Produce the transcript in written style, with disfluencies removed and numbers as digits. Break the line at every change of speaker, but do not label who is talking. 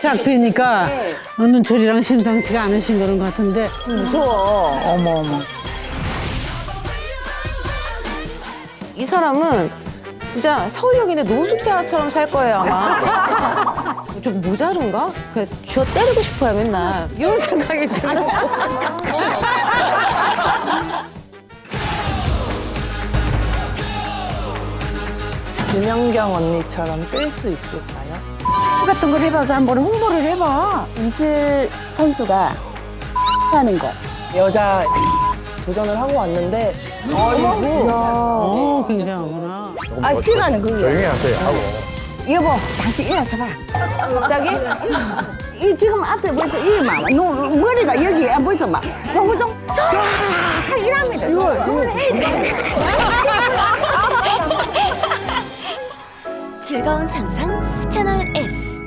짝대니까 눈초리랑 심상치가 않으신 그런 것 같은데.
무서워. 어머.
이 사람은 진짜 서울역인데 노숙자처럼 살 거예요, 아마. 좀 모자른가? 그냥 쥐어 때리고 싶어요, 맨날. 이런 생각이 들어요.
김연경 언니처럼 뜰 수 있을까요?
같은 걸 해봐서 한번 홍보를 해봐.
이슬 선수가 하는 것.
여자 도전을 하고 왔는데
굉장하구나.
아, 시간은 그게.
조용히 하세요. 하고.
여보, 당신 일어서 봐.
갑자기?
이 지금 앞에 벌써 이 막, 머리가 여기에 벌써 막, 요거 좀, 쫙 이랍니다. 이거 좀 해야 돼.
즐거운 상상 채널 S.